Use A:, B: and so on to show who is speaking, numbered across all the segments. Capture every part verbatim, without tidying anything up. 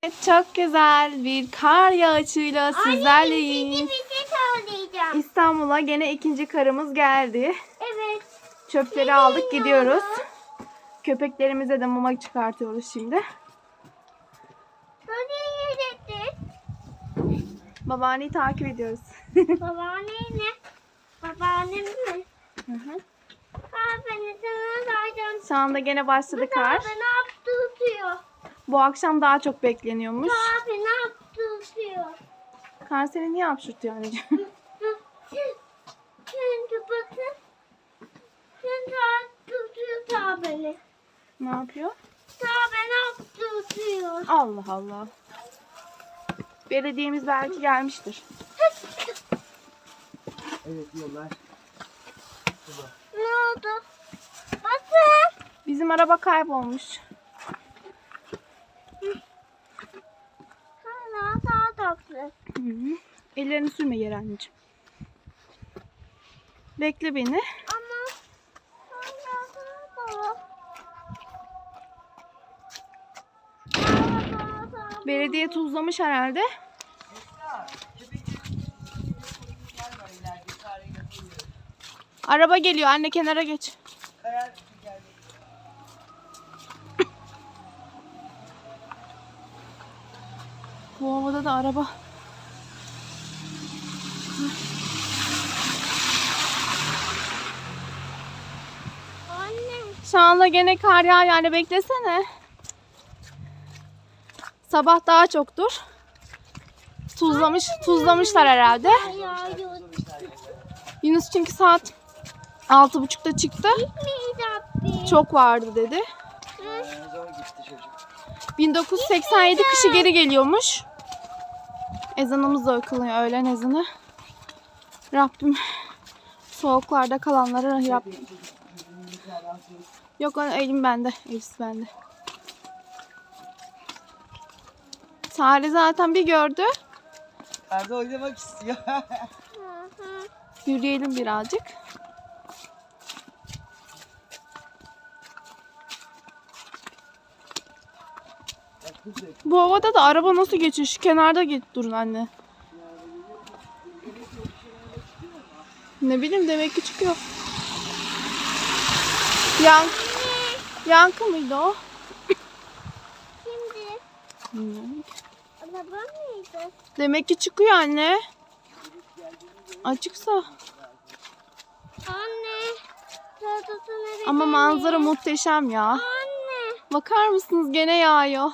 A: Çok güzel bir kar yağışıyla sizlerleyiz.
B: Anne, bir şey söyleyeceğim.
A: İstanbul'a gene ikinci karımız geldi.
B: Evet.
A: Çöpleri
B: Ne
A: aldık,
B: ya?
A: gidiyoruz. Köpeklerimize de mama çıkartıyoruz şimdi.
B: Nereye gittin?
A: Babaanneyi takip ediyoruz.
B: Babaannem ne? Babaannem mi?
A: Hı hı.
B: Aa, beni sana verdim.
A: Şu anda gene başladı kar.
B: Abi ne yaptı tutuyor?
A: Bu akşam daha çok bekleniyormuş.
B: Abi ne yaptı tutuyor?
A: Kar seni niye hapşırtıyor anneciğim?
B: Şimdi bakın. Şimdi artık tutuyor ta beni.
A: Ne yapıyor?
B: Ta beni yaptı tutuyor.
A: Allah Allah. Belediyemiz belki gelmiştir.
C: Evet yollar.
B: Ne oldu? Bakın.
A: Bizim araba kaybolmuş.
B: Hala daha tatlı.
A: Hı hı. Ellerini sürme yere anneciğim. Bekle beni.
B: Ama hala daha tatlı.
A: Belediye tuzlamış herhalde. Araba geliyor anne, kenara geç. Bu havada da araba.
B: Annem.
A: Şu anda gene kar yağıyor yani, beklesene. Sabah daha çoktur. Tuzlamış, tuzlamışlar herhalde.
B: Yağıyor.
A: Yunus çünkü saat altı buçukta çıktı.
B: Gitmeyecek.
A: Çok vardı dedi.
C: Zor gitti çocuk.
A: bin dokuz yüz seksen yedi kışı geri geliyormuş. Ezanımız da okunuyor, öğlen ezanı. Rabbim soğuklarda kalanları Rabbim. Yok, elim bende, elbise bende. Sare zaten bir gördü.
C: Arda oynamak istiyor.
A: Yürüyelim birazcık. Bu havada da araba nasıl geçiyor? Şu kenarda git durun anne. Ne bileyim, demek ki çıkıyor. Yan Yankı mıydı o?
B: Şimdi
A: Bilmiyorum.
B: araba mıydı?
A: Demek ki çıkıyor anne. Açıksa.
B: Anne. Tatlısını
A: Ama manzara muhteşem ya.
B: Anne.
A: Bakar mısınız, gene yağıyor.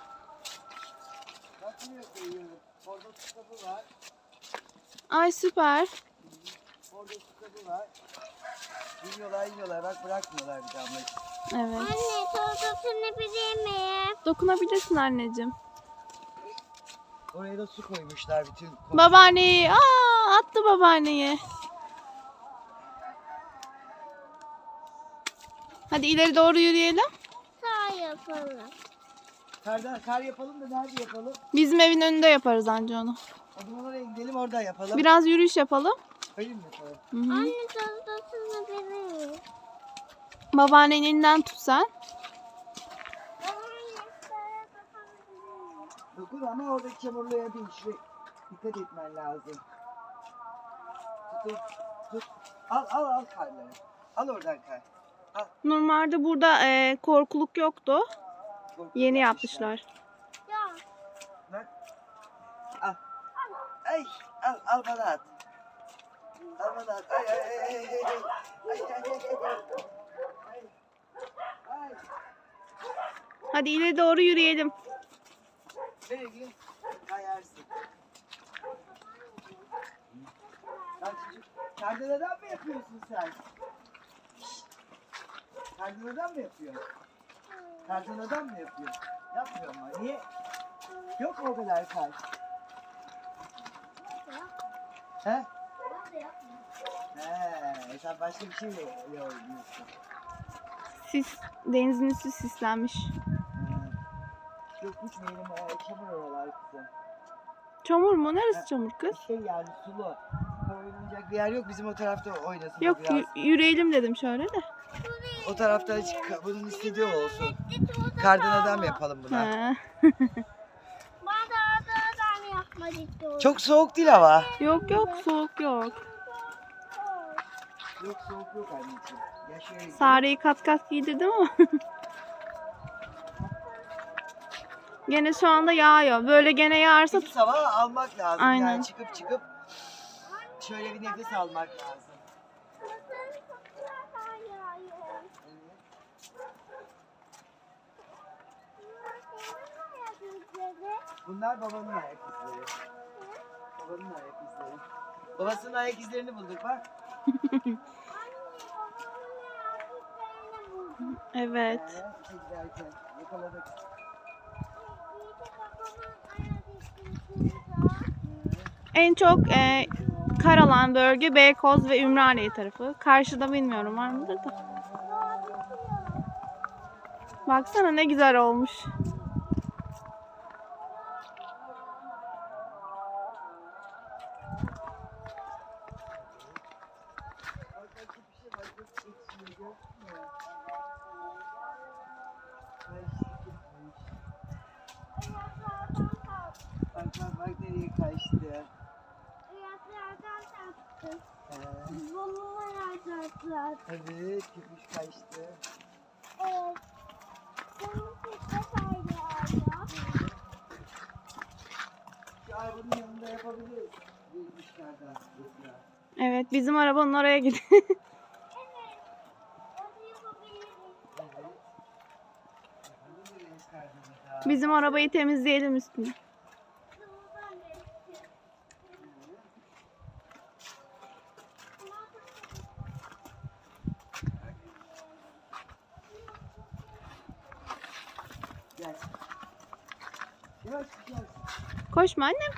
C: Bakmıyor koyuyorum. Orada su kabı var.
A: Ay süper.
C: Orada su kabı var. İniyorlar iniyorlar. Bak bırakmıyorlar bir damla.
A: Evet.
B: Anne tatlısını bileyim mi?
A: Dokunabilirsin anneciğim.
C: Oraya da su koymuşlar bütün.
A: Babaanneyi. Aa, attı babaanneyi. Hadi ileri doğru yürüyelim.
B: Sağ yapalım.
C: Karda, kar yapalım da nerede yapalım?
A: Bizim evin önünde yaparız anca onu.
C: O zaman oraya gidelim orada yapalım.
A: Biraz yürüyüş yapalım.
C: Öyle mi yapalım?
A: Hı hı.
B: Anne tatlısını bileyim mi?
A: Babaannenin elinden tut sen.
B: Anne şuraya bakabilir miyim?
C: Dokun ama oradaki çamurluya değil. Şuraya dikkat etmen lazım. Tut, tut. Al al al karları. Al oradan kar.
A: Normalde burada e, korkuluk yoktu.
C: Korkunç
A: Yeni yapmışlar.
B: Ya.
C: Bak. Al. Ay al al bana at. Al bana at. Ay ay ay ay ay. Ay ay ay ay. Ay. Ay.
A: Hadi ileri doğru yürüyelim.
C: Nereye gidiyorsun? Kayarsın. Lan çocuk, kardeladan mı yapıyorsun sen? Kardeladan mı yapıyorsun? Kardeladan mı yapıyorsun? Yapmıyor mu? Niye? Yok mu o kadar kar? He? He, sen başka bir şeyle oynuyorsun.
A: Sis, denizin üstü sislenmiş.
C: He. Yok gitmeyelim, çamur oralar kızım.
A: Çamur mu? Neresi çamur kız?
C: Şey yani sulu. Oynayacak bir yer yok, bizim o tarafta oynasın.
A: Yok,
C: biraz.
A: y- yürüyelim dedim şöyle de.
C: O tarafta hiç ka- bunun istediği olsun. Kardan adam yapalım buna.
A: Ha.
C: Çok soğuk değil hava.
A: Yok yok soğuk yok.
C: Yok soğuk yok anneciğim. Ya şöyle.
A: Sare'yi kat kat giydirdim ama. Gene şu anda yağıyor. Böyle gene yağarsa
C: Temiz hava almak lazım.
A: Aynen.
C: Yani çıkıp çıkıp şöyle bir nefes almak lazım. Bunlar babanın ayak izleri. Babanın ayak izleri. Babasının ayak izlerini bulduk bak.
A: evet.
C: Ee, giderken yakaladık.
A: En çok e, karalan bölge Beykoz ve Ümraniye tarafı. Karşıda bilmiyorum var mıdır da. Baksana ne güzel olmuş.
C: Bak bak bak nereye kaçtı. Ee, evet köpüş kaçtı. Şu arabanın yanında yapabiliriz. Geçmişlerden.
A: Evet bizim arabanın oraya gidiyor. Bizim arabayı temizleyelim üstüne.
C: Gel. Yavaş gel.
A: Koşma annem.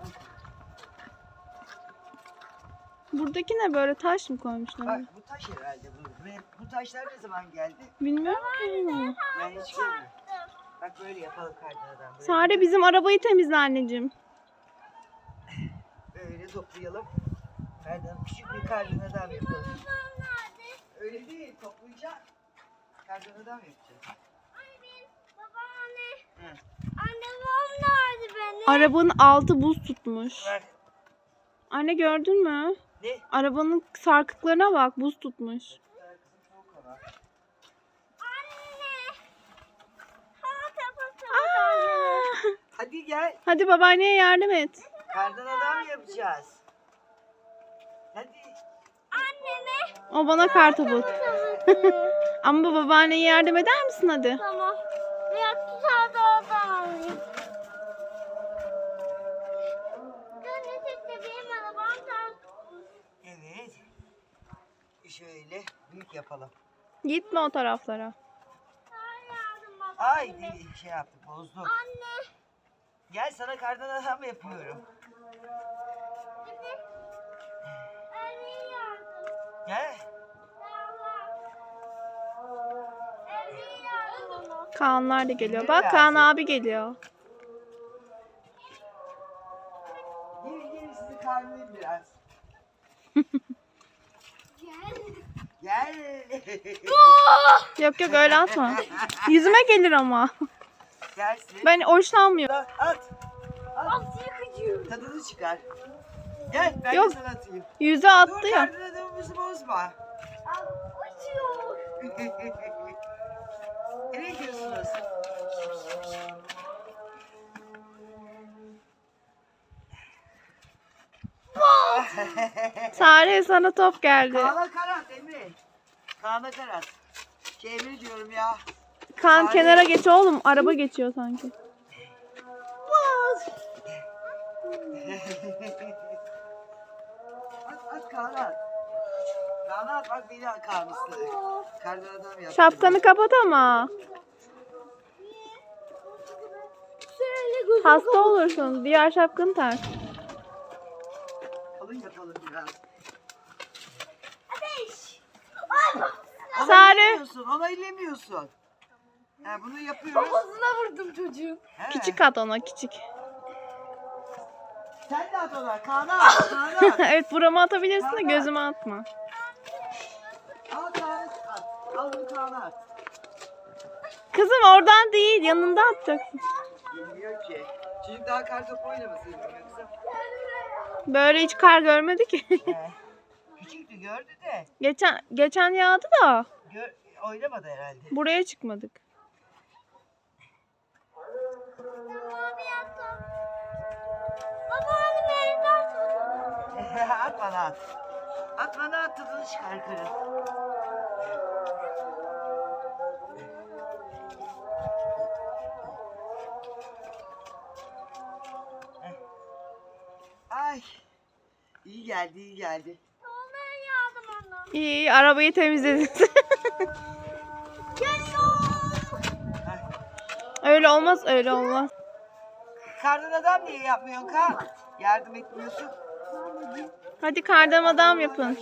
A: Buradaki ne böyle taş mı koymuşlar?
C: Bak bu taş herhalde bu. Ve bu taşlar ne zaman geldi?
A: Bilmiyorum ki.
C: Ben hiç görmedim. Bak böyle yapalım kardan. Böyle,
A: Sare bizim arabayı temizle anneciğim.
C: böyle toplayalım. Kardan küçük bir kardan adam yapalım. Öyle değil toplayacağız. Kardan adam yapacağız. Hı.
B: Anne babam nerede benim?
A: Arabanın altı buz tutmuş.
C: Bak
A: Anne gördün mü?
C: ne?
A: Arabanın sarkıklarına bak buz tutmuş.
C: Kızım soğuk hava.
B: Anne. Hava tapası.
A: Aa!
C: Hadi gel.
A: Hadi babaanneye yardım et.
C: Kardan adam yapacağız. Hadi.
B: Anneme.
A: O bana kartopu. Ama babaanneye yardım eder misin hadi?
B: Tamam. Biraz tutar da oradan alayım. Dönüşte benim arabam ters.
C: Evet. Şöyle büyük yapalım.
A: Gitme o taraflara.
B: Sana yardım bak.
C: Ay bir şey yaptık bozduk.
B: Anne.
C: Gel sana kardan adam yapıyorum.
B: Şimdi. Evine yardım.
C: Gel.
B: Evine yardım ona.
A: Kaanlar da geliyor. Bak Kaan abi geliyor.
C: Gelin gelin sizi karnılayım biraz.
B: Gel.
C: Gel.
A: Yok yok öyle atma. Yüzüme gelir ama.
C: Gelsin.
A: Ben hoşlanmıyorum.
C: At. At.
B: At yıkıcı.
C: Tadını çıkar. Gel ben
A: Yok.
C: de sana atayım.
A: Yüze
C: Dur
A: attı ya.
C: kardan adamımızı bozma.
B: Al uçuyor.
C: Nereye gidiyorsunuz?
A: Sare sana top geldi.
C: Kaan'a karat Emre. Kaan'a karat. Şey Emre diyorum ya.
A: Kaan
C: Sare.
A: kenara geç oğlum. Araba geçiyor sanki.
C: At at Kaan'a at. Kaan'a at bak beni Kaan ısladı. Kardan adam yaptı.
A: Şapkanı kapat ama.
B: Şöyle gözüm.
A: Hasta olursun. Diğer şapkanı tak.
C: Kalın yapalım biraz.
B: Ateş. Ay bak.
A: Sare.
C: Onaylemiyorsun, onaylemiyorsun. Ha, bunu yapıyoruz.
B: Kafasına vurdum çocuğu.
C: He.
A: Küçük at ona küçük.
C: Sen de at ona. Kaan'a at. Kaan'a at.
A: Evet burama atabilirsin de gözüme atma.
C: Al Kaan'a at. Al bunu Kaan'a at.
A: Kızım oradan değil yanında atacaksın.
C: Bilmiyor ki. Çocuk daha kar topu oynamasıydı yoksa.
A: Böyle hiç kar görmedi ki.
C: He. Küçüktü gördü de.
A: geçen geçen yağdı da
C: Gör, oynamadı herhalde.
A: buraya çıkmadık.
B: Abi yaptım. Baba abi beni de
C: At bana at. At bana at tadını çıkar karın. Ay. İyi geldi, iyi geldi.
B: Olmaya yardım ona.
A: İyi, iyi arabayı temizledin.
C: Ay.
A: Öyle olmaz, öyle olmaz.
C: Kardan adam niye yapmıyorsun Kaan? Yardım etmiyorsun.
A: Hadi kardan adam yapın.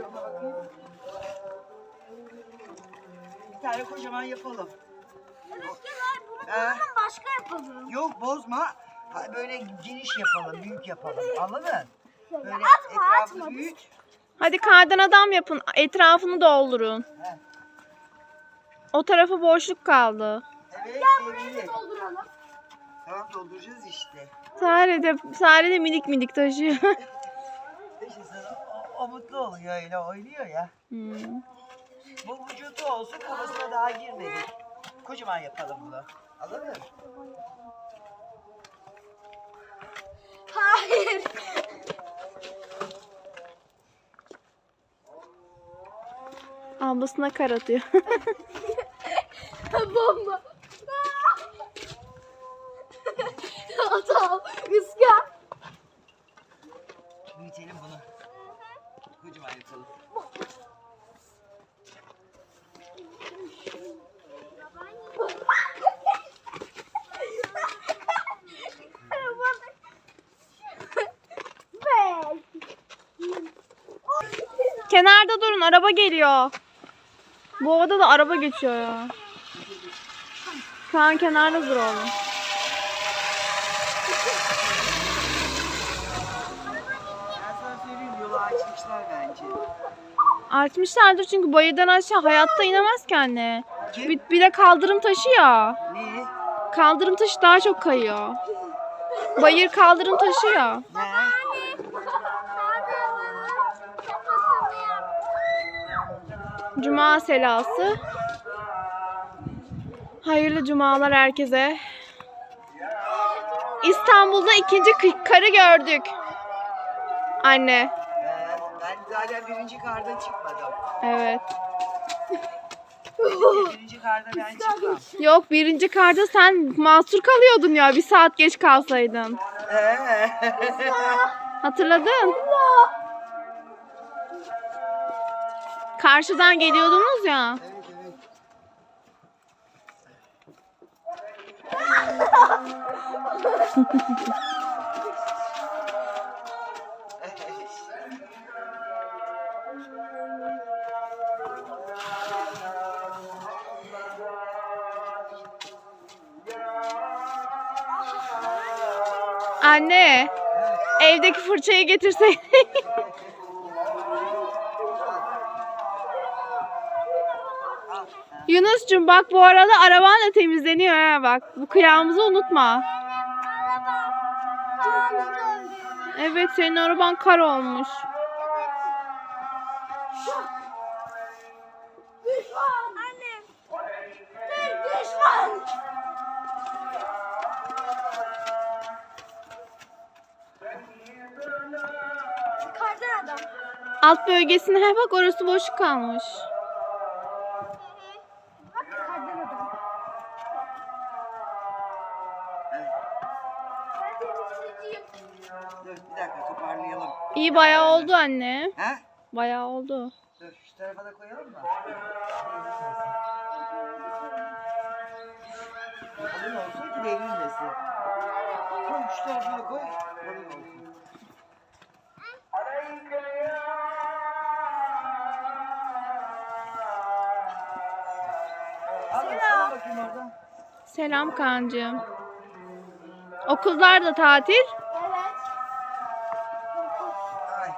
C: Bir tane kocaman yapalım.
B: Eskiler bunu
C: Ha.
B: bundan başka yapalım.
C: Yok bozma. Ha, böyle geniş yapalım, büyük yapalım. Anladın? Böyle
B: Atma,
C: etrafı
B: atma.
C: büyük.
A: Hadi kardan adam yapın. Etrafını doldurun.
C: He.
A: O tarafa boşluk kaldı.
C: Evet, belli.
B: Dolduralım.
C: Tamam dolduracağız işte.
A: Sare de, Sare de minik minik taşıyor.
C: İşte sana o, o mutlu oluyor öyle oynuyor ya.
A: Hmm.
C: Bu vücudu olsun kafasına daha girmedi. Kocaman yapalım bunu. Anladın mı?
B: Hayır.
A: Ablasına kar atıyor.
B: Bomba. Atam. Rüzgar.
C: Büyütelim bunu. Kocaman yapalım.
A: Kenarda durun, araba geliyor. Bu ovada da araba geçiyor ya. Şu an kenarda dur oğlum.
C: Ben sana söyleyeyim yolu açmışlar bence.
A: Açmışlardır çünkü bayırdan aşağı hayatta inemez ki anne.
C: Kim?
A: Bir, bir de kaldırım taşı ya.
C: Ne?
A: Kaldırım taşı daha çok kayıyor. Bayır kaldırım taşı ya.
C: Ne?
A: Cuma selası. Hayırlı cumalar herkese. İstanbul'da ikinci kı- karı gördük. Anne.
C: Ee, ben zaten birinci karda çıkmadım.
A: Evet.
C: Birinci karda ben çıkmam.
A: Yok, birinci karda sen mahsur kalıyordun ya, bir saat geç kalsaydın.
C: Ee.
A: Hatırladın? Karşıdan geliyordunuz ya.
C: Evet evet.
A: Anne, evdeki fırçayı getirseydin. Yunus'cum bak, bu arada araban da temizleniyor ha, bak. Bu kıyağımızı unutma. Evet, senin araban kar olmuş.
B: Düşman. Annem. Düşman. Kardan adam.
A: Alt bölgesine he bak, orası boşluk kalmış.
B: Bak kardan adam. Ben temizleyeceğim.
C: Dur bir dakika toparlayalım.
A: İyi, bayağı oldu anne.
C: Ha?
A: Bayağı oldu.
C: Dur şu tarafa da koyalım mı? Kalın olsun ki devrilmesin. Koy şu tarafa koy. Kalın olsun. Al al bakayım oradan.
A: Selam Kaan'cığım. Okullar da tatil.
B: Evet.
C: Ay.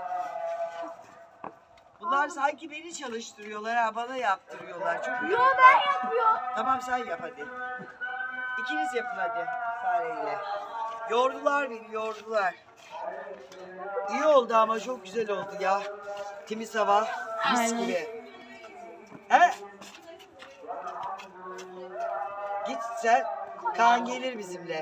C: Bunlar sanki beni çalıştırıyorlar ha, bana yaptırıyorlar. Çok
B: Yo ben yapıyorum.
C: Tamam sen yap hadi. İkiniz yapın hadi. fareyle. Yordular beni, yordular. İyi oldu ama çok güzel oldu ya. Temiz hava, mis
A: Aynen.
C: gibi. He? Git sen. Kaan gelir bizimle.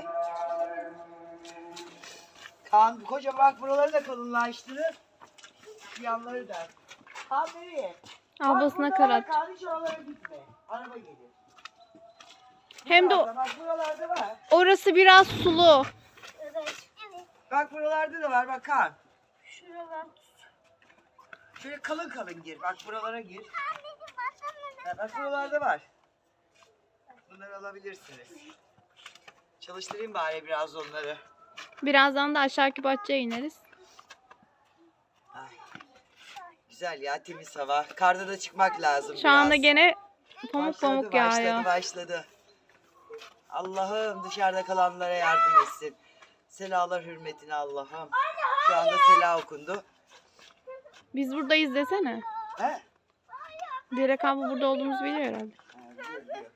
C: Kaan koca bak buraları da kalınlaştırır. Şu yanları da. Kaan nereye?
A: Ablasına
C: Bak,
A: karat.
C: Kaan hiç oralara gitme. Araba gelir.
A: Hem de o-
C: Buralarda, bak buralarda var.
A: orası biraz sulu.
B: Evet. Evet.
C: Bak buralarda da var bak Kaan.
B: Şuralar.
C: Şöyle kalın kalın gir. Bak buralara gir.
B: Anneciğim baksana.
C: Ha, bak buralarda var. Bunları alabilirsiniz. Çalıştırayım bari biraz onları.
A: Birazdan da aşağıki bahçeye ineriz.
C: Ay. Güzel ya, temiz hava. Karda da çıkmak lazım
A: Şu anda
C: biraz.
A: gene pamuk
C: Başladı,
A: pamuk yağıyor.
C: Başladı başladı. Allah'ım dışarıda kalanlara yardım etsin. Selalar hürmetine Allah'ım. Şu anda sela okundu.
A: Biz buradayız desene.
C: He?
A: Direk abla burada olduğumuzu biliyor herhalde.
C: Ha, biliyor, biliyor.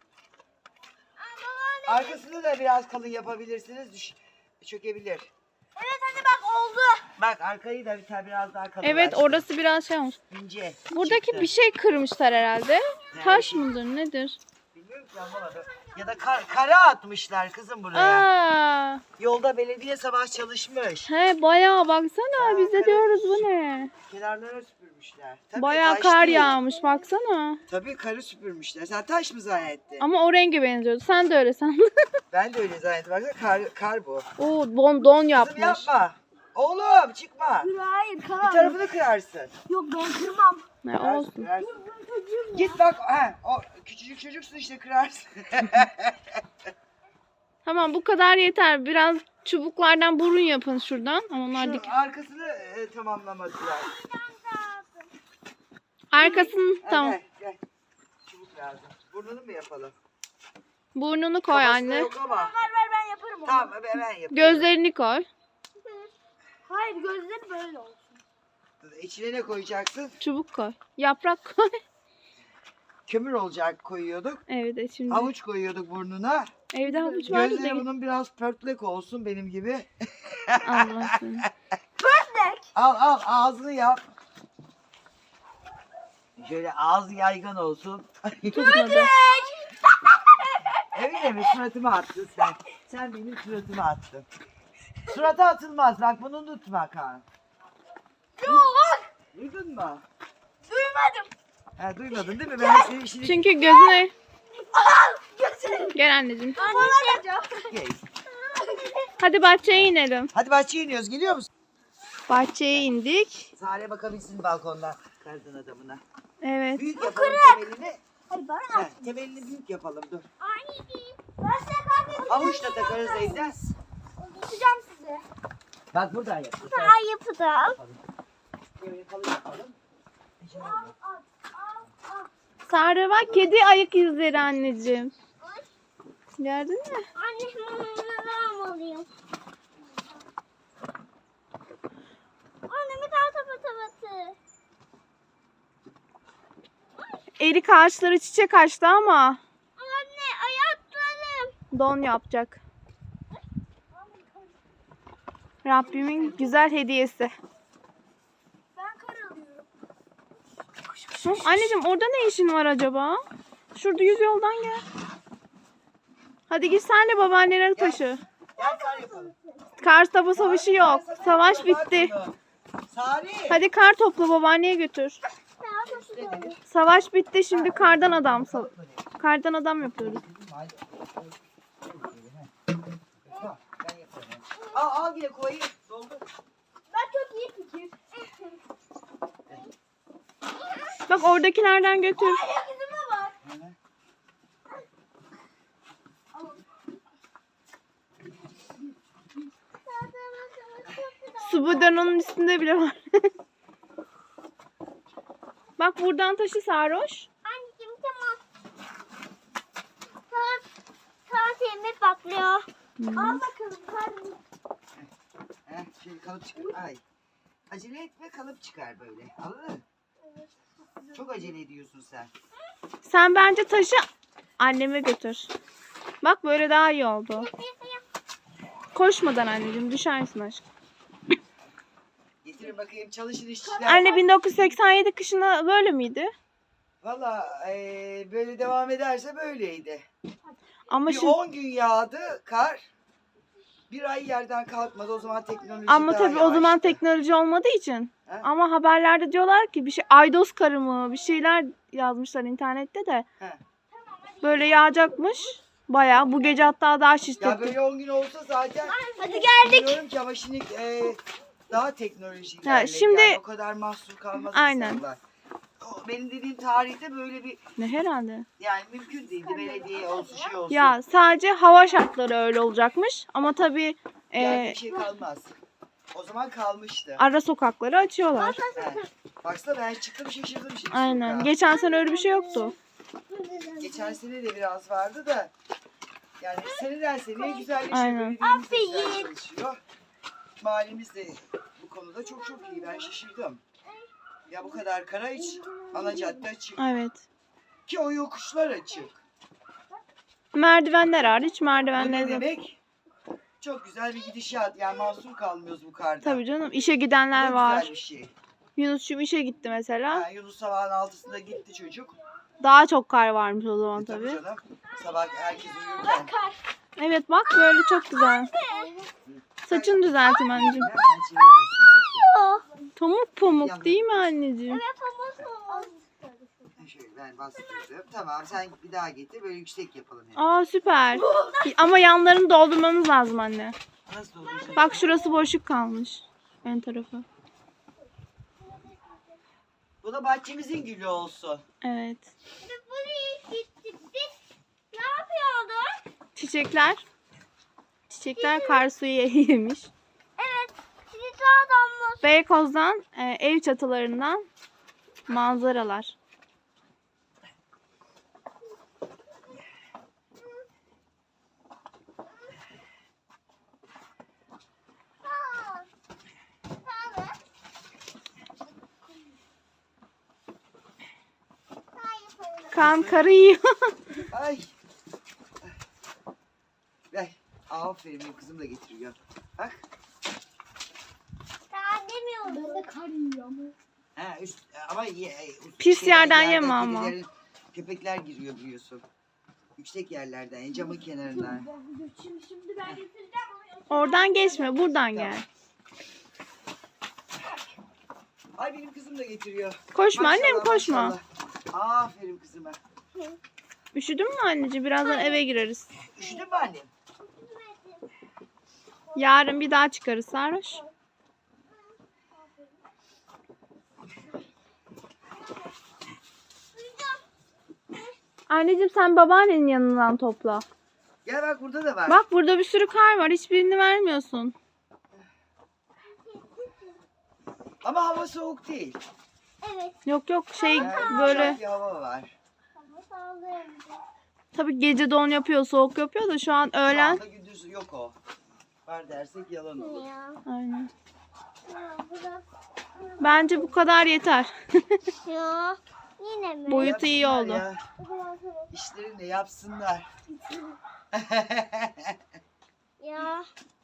C: Arkasını da biraz kalın yapabilirsiniz. Düş çökebilir.
B: Evet hadi bak oldu.
C: Bak arkayı da bir tane biraz daha kalın.
A: Evet, orası biraz şey olmuş.
C: ince.
A: Buradaki
C: çıktı.
A: bir şey kırmışlar herhalde.
C: Ne?
A: Taş mıdır nedir?
C: Bilmiyorum ki, anlamadım. Ya da kar, kara atmışlar kızım buraya.
A: Aa,
C: Yolda belediye sabah çalışmış.
A: he bayağı baksana,
C: Ha,
A: biz de
C: kara
A: diyoruz bu
C: atmışlar.
A: ne?
C: Kenarlara süpürmüşler. Tabii,
A: Bayağı
C: taş
A: kar
C: değil.
A: yağmış baksana.
C: Tabii karı süpürmüşler. Sen taş mı zannettin?
A: Ama o renge benziyordu. Sen de öyle sandın.
C: Ben de öyle zannettim. Baksana kar, kar bu.
A: Oo, don, don
C: Kızım
A: yapmış.
C: yapma. Oğlum çıkma.
B: Hayır
C: Bir
B: karar.
C: tarafını kırarsın.
B: Yok ben kırmam.
A: Ne
C: Kırarsın,
A: olsun.
C: kırarsın. Git bak. Ha, o küçücük çocuksun işte, kırarsın.
A: Tamam, bu kadar yeter. Biraz çubuklardan burun yapın şuradan. Ama onlar
C: Şu
A: dik.
C: arkasını e, tamamlamadılar.
A: Arkasını
C: Ha,
A: tamam.
C: Gel, gel. Çubuk lazım. Burnunu mu yapalım?
A: Burnunu koy
C: Kafasında
A: anne.
C: yok ama.
B: Ver ver ben yaparım onu.
C: Tamam ben yapayım.
A: Gözlerini koy.
B: Hayır gözleri böyle olsun.
C: İçine ne koyacaksın?
A: Çubuk koy. Yaprak koy.
C: Kömür olacak koyuyorduk.
A: Evet şimdi.
C: Havuç koyuyorduk burnuna.
A: Evde havuç vardı
C: Gözleri
A: da.
C: bunun biraz pörtlek olsun benim gibi.
A: Allah seni.
C: Al al ağzını yap. Şöyle ağzı yaygın olsun.
A: Tutmadı.
C: Öyle mi? Suratıma attın sen. Sen benim suratıma attın. Surata atılmaz. Bak bunu unutma Kaan.
B: Yok.
C: Duydun mu?
B: Duymadım.
C: Ha, duymadın değil mi? Ben senin işini...
A: Çünkü gözüne.
B: Gözleri.
A: Gel anneciğim.
B: Anneciğim.
C: Gel.
A: Hadi bahçeye inelim.
C: Hadi bahçeye iniyoruz. Geliyor musun?
A: Bahçeye indik.
C: Sare bakabilsin balkondan kardan adamına.
A: Evet.
C: Büyük yapalım temelini.
B: Hadi bana.
C: Ha, temelini büyük yapalım. Dur.
B: Anneciğim. Ben size kahve
C: Havuç da takarız evden.
B: tutacağım size.
C: Bak buradan yap.
B: Daha yapacağım.
C: Böyle kalın yapalım.
A: Sarı bak, kedi ayak izleri anneciğim. Gördün mü?
B: Anne ben almalıyım. Anne bir daha tapat tabatı.
A: Erik ağaçları çiçek açtı ama
B: Anne ayaklarım.
A: don yapacak. Rabbimin güzel hediyesi.
B: Ben kar alıyorum.
A: Hı, anneciğim orada ne işin var acaba? Şurada yüz yoldan gel. Hadi git sen de babaannene taşı.
C: Gel kar yapalım.
A: Kar topu savaşı yok. Savaş bitti.
C: Sari.
A: Hadi kar topla, babaanneye götür. Savaş bitti, şimdi kardan adam. sa- Kardan adam yapıyoruz.
C: Al al yine kovayı. Doldur.
B: Ben çok iyi fikir.
A: Bak oradakilerden götür.
B: Ayak izime bak.
A: Su bidonunun üstünde bile var. Bak buradan taşı Sarhoş.
B: Anneciğim tamam. Saat, saat yemek patlıyor. Al bakalım karnım.
C: Heh, şimdi kalıp çıkar. Ay. Acele etme, kalıp çıkar böyle. Anladın mı? Çok acele ediyorsun sen.
A: Sen bence taşı anneme götür. Bak böyle daha iyi oldu. koşmadan anneciğim, düşersin aşkım.
C: Getirin bakayım, çalışın işçiler.
A: Anne bin dokuz yüz seksen yedi kışında böyle miydi?
C: Valla eee, böyle devam ederse böyleydi.
A: Ama
C: Bir
A: şimdi
C: on gün yağdı kar. Bir ay yerden kalkmadı. O zaman teknoloji
A: ama
C: daha
A: tabii o zaman
C: yavaştı.
A: teknoloji olmadığı için.
C: He?
A: Ama haberlerde diyorlar ki bir şey aydos karı mı bir şeyler yazmışlar internette de.
C: He.
A: Böyle yağacakmış. Bayağı bu gece hatta daha
C: Ya
A: şiddetli.
C: böyle on gün olsa zaten
B: Hadi geldik.
C: bilmiyorum ki ama şimdi eee, daha teknoloji
A: Ha,
C: ilerledi.
A: şimdi-
C: Yani o kadar mahsur kalmaz
A: Aynen.
C: insanlar. O benim dediğim tarihte böyle bir
A: Ne herhalde.
C: yani mümkün değildi. Belediye olsun şey olsun.
A: Ya sadece hava şartları öyle olacakmış. Ama tabii
C: yani
A: e,
C: bir şey kalmaz. O zaman kalmıştı.
A: ara sokakları açıyorlar.
C: He. Baksana ben çıktım şaşırdım şimdi.
A: Aynen.
C: sokağa.
A: Geçen sene öyle bir şey yoktu.
C: Geçen sene de biraz vardı da yani seneden seneye güzelleşiyor.
A: Aynen.
C: Belediyemiz de güzel çalışıyor. Mahallemiz de bu konuda çok çok iyi. Ben şaşırdım. Ya bu kadar kara hiç ana cadde açık.
A: Evet.
C: Ki o yokuşlar açık.
A: Merdivenler hariç
C: Bu ne
A: merdivenler de.
C: demek? Çok güzel bir gidişat. Yani mahsur kalmıyoruz bu karda.
A: Tabii canım. İşe
C: Bu
A: gidenler
C: da
A: var.
C: güzel bir şey.
A: Yunus'cum işe gitti mesela.
C: Ha, Yunus sabahın altısında gitti çocuk.
A: Daha çok kar varmış o zaman
C: E, tabii
A: tabii.
C: canım. Sabah herkes uyurken.
A: Evet bak böyle çok güzel. Saçını düzelteyim anneciğim.
C: Nereden çeviremezsin belki.
A: Pamuk pamuk değil mi anneciğim?
C: Ha, Şöyle ben bastırdım. Tamam sen bir daha getir. Böyle yüksek yapalım. Yani.
A: Aa süper. Ama yanlarını doldurmamız lazım anne.
C: Nasıl olacak?
A: Bak şurası boşluk kalmış. Ön tarafı.
C: Bu da bahçemizin gülü olsun.
A: Evet.
B: Buraya gittik biz. Ne yapıyorduk?
A: Çiçekler. Çiçekler kar suyu yemiş.
B: Evet. Sizi sağdan
A: Beykoz'dan e, ev çatılarından manzaralar. Kan karı yiyor.
C: Ay. Ver. Aferin benim kızım da getiriyor. Bak.
B: Daha demiyordum. Ben de kar yiyorum.
C: Ha, üst, ama ye,
A: Pis
C: şeyden,
A: yerden yeme ama.
C: kedilerin- Köpekler giriyor biliyorsun. Yüksek yerlerden, yani camın kenarından.
B: Şimdi, şimdi ben getireceğim onu.
A: Oradan geçme, buradan gel.
C: Ay benim kızım da getiriyor.
A: Koşma
C: Maşallah,
A: annem koşma.
C: maşallah. Aferin kızıma.
A: Üşüdün mü anneciğim? Birazdan eve gireriz.
C: Üşüdün mü annem?
A: Yarın bir daha çıkarız sarhoş. Anneciğim sen babaannenin yanından topla.
C: Gel bak burada da var.
A: Bak burada bir sürü kar var. Hiçbirini vermiyorsun.
C: Ama hava soğuk değil.
B: Evet.
A: Yok yok şey
C: Yani
A: böyle
C: yumuşak bir hava var.
B: Ama sağlayayım.
A: tabii gece don yapıyor, soğuk yapıyor da şu an
C: Şu
A: öğlen.
C: anda gündüz yok o. Var dersek yalan olur.
B: Ya.
A: Aynen.
B: Ya, bırak.
A: Bence bu kadar yeter.
B: Ya. Yine mi?
A: Boyutu iyi
C: Yapsınlar
A: oldu.
C: ya.
B: O zaman sonra-
C: İşlerini de yapsınlar.
B: Ya.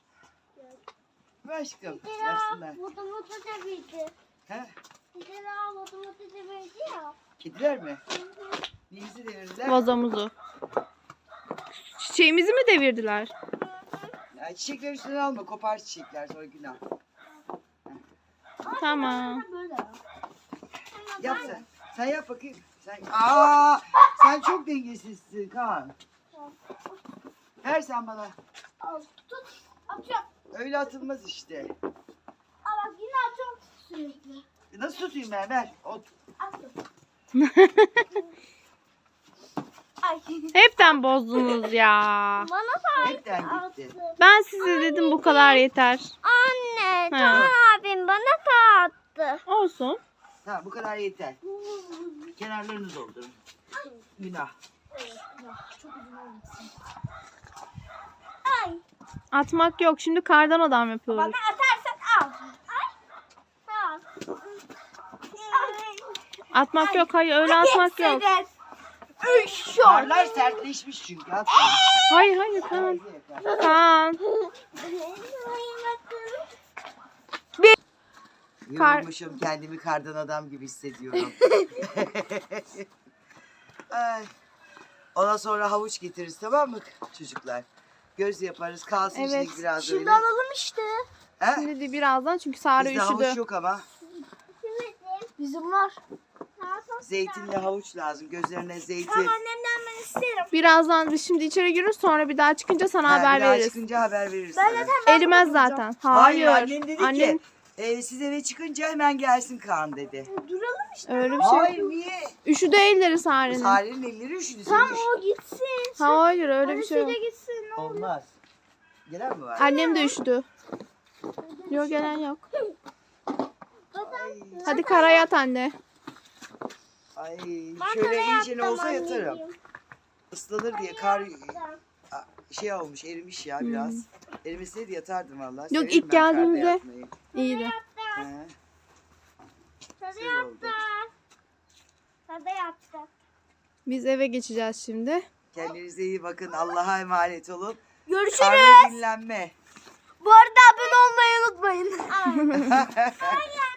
C: Aşkım
B: Bir
C: yapsınlar.
B: daha motomoto devirdi.
C: He?
B: Bir daha motomoto devirdi ya.
C: Kediler mi? Neyimizi devirdiler?
A: Vazomuzu. Çiçeğimizi mi devirdiler?
C: Ya çiçekler üstüne alma. Kopar çiçekler sonra günah.
A: Tamam.
B: Böyle.
C: Yap sen. Sen yap bakayım. Sen, aa, sen çok dengesizsin Kaan. Ver sen bana.
B: Al tut. Atıyorum.
C: Öyle atılmaz işte.
B: Aa bak yine atıyorum sürekli.
C: Nasıl tutayım ben? Ver. Ot.
B: Attım. Ay.
A: Hepten bozdunuz ya.
B: Bana sahip
C: Hepten gitti.
B: attı.
A: Ben size dedim bu kadar yeter.
B: Anne,
A: Ha.
B: Can abim bana da attı.
A: Olsun.
C: Tamam bu kadar yeter. Kenarlarını doldurun. Günah.
B: Ay.
A: Atmak yok. Şimdi kardan adam yapıyoruz.
B: Bana atarsan al. Ay. Al.
A: Atmak yok. Hayır öyle atmak yok.
C: Karlar sertleşmiş çünkü. Atma.
A: Hayır hayır Kaan. Kaan. Kar-
C: Yorulmuşum, kendimi kardan adam gibi hissediyorum. Ay. Ondan sonra havuç getiririz, tamam mı çocuklar? Göz yaparız, kalsın
A: Evet.
C: içindeki biraz
B: Şimdi
C: öyle.
B: alalım işte.
C: He?
A: Şimdi de birazdan çünkü Sare
C: Bizde
A: üşüdü.
C: havuç yok ama.
B: Bizim var.
C: Zeytinli havuç lazım. Gözlerine zeytin.
B: Tamam annemden ben isterim.
A: Birazdan biz şimdi içeri gireriz, sonra bir daha çıkınca sana
C: Ha,
A: haber
C: bir daha
A: veririz.
C: çıkınca haber veririz
B: Ben
C: sana.
B: zaten ben
A: Erimez
B: bakacağım.
A: zaten.
C: Hayır,
A: Hayır.
C: annen dedi
A: Annen-
C: ki e, siz eve çıkınca hemen gelsin Kaan dedi.
B: Duralım işte.
A: Öyle bir şey.
C: Hayır, niye?
A: Üşüdü elleri Sare'nin.
C: Sare'nin elleri üşüdü.
B: Tamam
C: senin
B: o gitsin.
A: Hayır öyle bir şey yok.
B: Annesiyle gitsin. Ne olur.
C: Olmaz. Gelen mi var?
A: Annem de üşüdü. Yok gelen yok.
C: Ay,
A: Hadi kara yat anne.
C: ay.
B: Ben
C: Şöyle
B: sana
C: iyice ne
B: yaptım
C: olsa yatarım.
B: anneciğim.
C: Islanır diye kar a, şey olmuş, erimiş ya biraz. Erimeseydi yatardım vallahi.
A: Yok,
C: Severim
A: ilk
C: ben karda
A: geldiğimizde-
C: yatmayı.
A: İyiydi.
C: He,
B: Tadı
C: güzel oldu.
B: yaptı. Tadı yaptı.
A: Biz eve geçeceğiz şimdi.
C: Kendinize iyi bakın. Allah'a emanet olun.
B: Görüşürüz.
C: Karnı dinlenme.
B: Bu arada abone olmayı unutmayın.